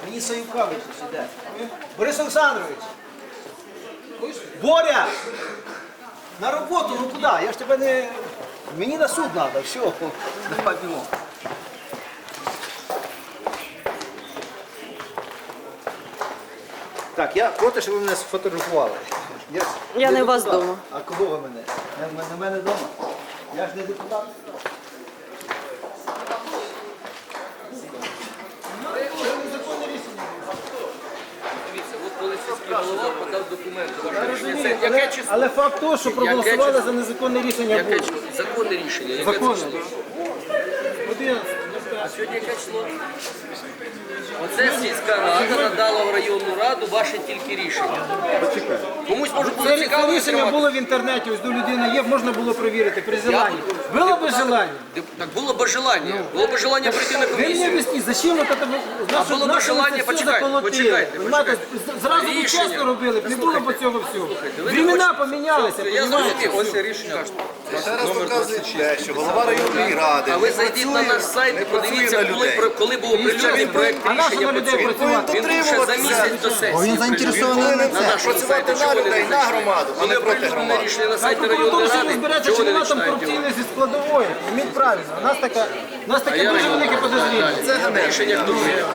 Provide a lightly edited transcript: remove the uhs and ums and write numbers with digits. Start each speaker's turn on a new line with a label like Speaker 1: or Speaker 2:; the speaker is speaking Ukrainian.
Speaker 1: Мені Саюка виключить, іде. Борис Олександрович! Боря! На роботу, ну куди? Я ж тебе не... Мені на суд треба, все. Давай бігом. Так, я проти, щоб ви мене сфотографували.
Speaker 2: Я не у вас
Speaker 1: депутат.
Speaker 2: вдома.
Speaker 1: А кого ви мене? На мене вдома? Я ж не депутат.
Speaker 3: Дивіться, от коли сільський голова подав документи, ваше рішення, це
Speaker 1: Але,
Speaker 3: яке число?
Speaker 1: але факт того, що проголосували
Speaker 3: число?
Speaker 1: за незаконне рішення
Speaker 3: Яке
Speaker 1: було.
Speaker 3: число? Законне рішення, яке це
Speaker 1: Законне.
Speaker 3: число?
Speaker 1: 11.
Speaker 3: А сьогодні яке число? Оце сільська рада надала в районну раду ваше тільки рішення. Комусь може бути
Speaker 1: Це
Speaker 3: цікаво
Speaker 1: рішення
Speaker 3: отримати.
Speaker 1: було в інтернеті, ось до людини є, можна було перевірити при желанні. Було б желання.
Speaker 3: Так було б бажання. Було б бажання прийти на
Speaker 1: Ви мені
Speaker 3: комісію.
Speaker 1: об'ясніть, зачем вот это,
Speaker 3: було б желання, почекайте.
Speaker 1: Понимаєте, зразу б
Speaker 3: Рішення.
Speaker 1: чесно робили, б не було б цього всього.
Speaker 3: ви не
Speaker 1: Времена
Speaker 3: хочете.
Speaker 1: помінялися,
Speaker 3: Я
Speaker 1: понімаєте?
Speaker 3: зрозумів, ось рішення.
Speaker 4: Ще раз доказують те, що голова районної ради
Speaker 3: А ви
Speaker 4: не
Speaker 3: зайдіть на
Speaker 4: працює,
Speaker 3: наш сайт
Speaker 4: не
Speaker 3: і
Speaker 4: працює
Speaker 3: подивіться,
Speaker 4: на людей.
Speaker 3: коли був оприлюднений проект
Speaker 1: А на що
Speaker 3: рішення
Speaker 1: на
Speaker 3: по
Speaker 1: людей
Speaker 3: цьому.
Speaker 1: працювати?
Speaker 3: Він був ще за місяць до сесії.
Speaker 4: Він
Speaker 1: заінтересований
Speaker 4: повинен
Speaker 3: на нашому
Speaker 4: працювати
Speaker 3: сайті.
Speaker 4: на
Speaker 3: Чого вони
Speaker 4: людей,
Speaker 3: не
Speaker 4: на
Speaker 3: зайшли?
Speaker 4: громаду, а
Speaker 3: Коли
Speaker 4: не проти
Speaker 3: оприлюднене
Speaker 4: громади.
Speaker 3: рішення на
Speaker 1: Хай
Speaker 3: сайті
Speaker 1: прокуратура
Speaker 3: районної
Speaker 1: ще
Speaker 3: ради,
Speaker 1: розбереться,
Speaker 3: чого
Speaker 1: чи
Speaker 3: вони
Speaker 1: вона там
Speaker 3: починають
Speaker 1: корупційна
Speaker 3: його?
Speaker 1: зі складової. Міть правильно. У нас таке
Speaker 3: А я
Speaker 1: дуже велике подозріння.
Speaker 3: Рішення хто прийняв?